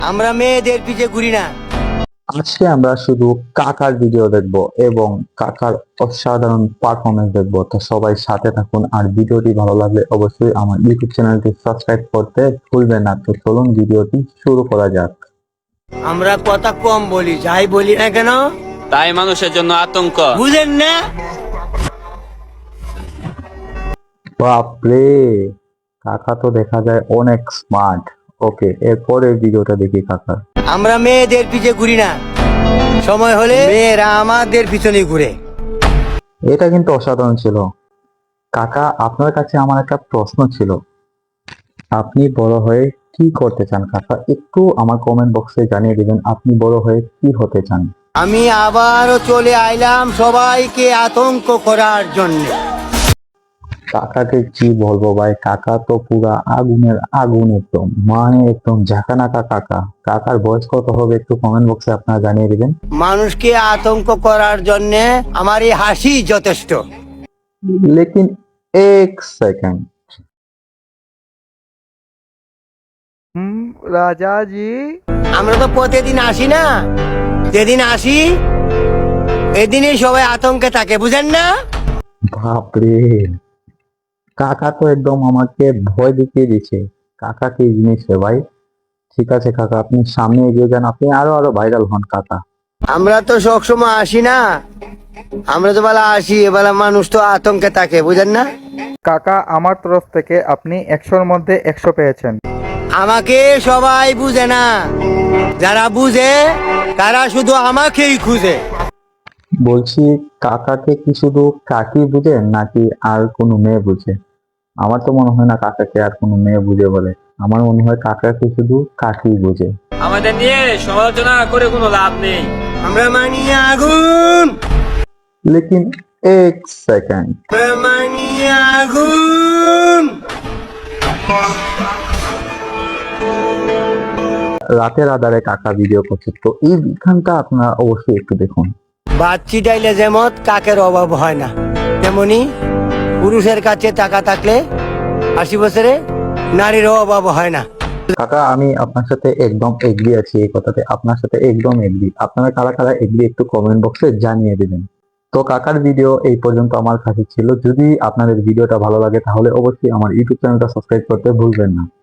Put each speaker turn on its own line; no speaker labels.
আমরা মেয়েদের পিছে ঘুরি না।
আজকে আমরা শুধু কাকার ভিডিও দেখব এবং কাকার অসাধারণ পারফরমেন্স দেখব। তো সবাই সাথে থাকুন, আর ভিডিওটি ভালো লাগলে অবশ্যই আমার ইউটিউব চ্যানেলটি সাবস্ক্রাইব করতে ভুলবেন না। তো চলুন ভিডিওটি শুরু করা যাক।
আমরা কথা কম বলি, যাই বলি না কেন
তাই মানুষের জন্য আতঙ্ক।
বুঝেন না?
বাপরে, কাকা তো দেখা যায় অনেক স্মার্ট। ওকে, এরপরে ভিডিওটা দেখি কাকা।
আমরা মেয়েদের পিছে ঘুরি না, সময় হলে মেয়েরা আমাদের পিছনে ঘুরে।
এটা কিন্তু অসাধারণ ছিল। কাকা, আপনার কাছে আমার একটা প্রশ্ন ছিল। আপনি বড় হয়ে কি করতে চান কাকা? একটু আমার কমেন্ট বক্সে জানিয়ে দিবেন আপনি বড় হয়ে কি হতে চান।
আমি আবারও চলে আইলাম সবাইকে আতঙ্ক করার জন্য।
কাকাকে কি বলবো ভাই, কাকা তো পুরা আগুনের আগুন, একদম মানে একদম ঝাঁকানাকা কাকা। কাকার বয়স কত হবে একটু কমেন্ট বক্সে আপনারা জানিয়ে দিবেন।
মানুষকে আতঙ্ক করার জন্য আমার এই হাসি যথেষ্ট।
লেকিন এক সেকেন্ড,
राजा जी।
আমরা তো প্রতিদিন আসি না, যেদিন আসি এদিনই সবাই আতঙ্কে থাকে, বুঝেন না?
বাপরে, কাকা তো একদম আমাকে ভয় দেখিয়ে দিচ্ছে। কাকা কি জিনিস রে ভাই। ঠিক আছে কাকা, আপনি সামনে এগিয়ে যান, আপনি আরো আরো ভাইরাল হন কাকা।
আমরা তো সবসময় আসি না, আমরা তো বেলা আসি, এবেলা মানুষ তো আতঙ্কে থাকে, বুঝেন না?
কাকা, আমার তরফ থেকে আপনি 100-র মধ্যে 100 পেয়েছেন।
আমাকে সবাই বুঝে না, যারা বুঝে তারা শুধু আমাকেই খুঁজে।
বলছি, কাকাকে কি শুধু কাকি বুঝে নাকি আর কোনো মেয়ে বুঝে? আমার তো মনে হয় না কাকাকে আর কোনো মেয়ে বুঝে বলে। আমার মনে হয় কাকাকে শুধু কাকি বুঝে।
আমাদের নিয়ে সমালোচনা করে কোনো লাভ নেই।
আমরা মানি আগুন,
লেকিন এক সেকেন্ড,
আমরা মানি আগুন।
রাতের আধারে কাকা ভিডিও করছে, তো এই বিধানটা আপনারা অবশ্যই একটু দেখুন।
বাচ্চি ডাইলে যেমন কাকের অভাব হয় না, তেমনি পুরুষের কাছে টাকা থাকলে 80 বছরে নারীর অভাব হয় না।
কাকা, আমি আপনার সাথে একদম এগ্রি আছি, এই কথাতে আপনার সাথে একদম এগ্রি। আপনারা কারা কারা এগ্রি একটু কমেন্ট বক্সে জানিয়ে দিবেন। তো কাকার ভিডিও এই পর্যন্ত আমার কাছে ছিল। যদি আপনাদের ভিডিওটা ভালো লাগে তাহলে অবশ্যই আমার ইউটিউব চ্যানেলটা সাবস্ক্রাইব করতে ভুলবেন না।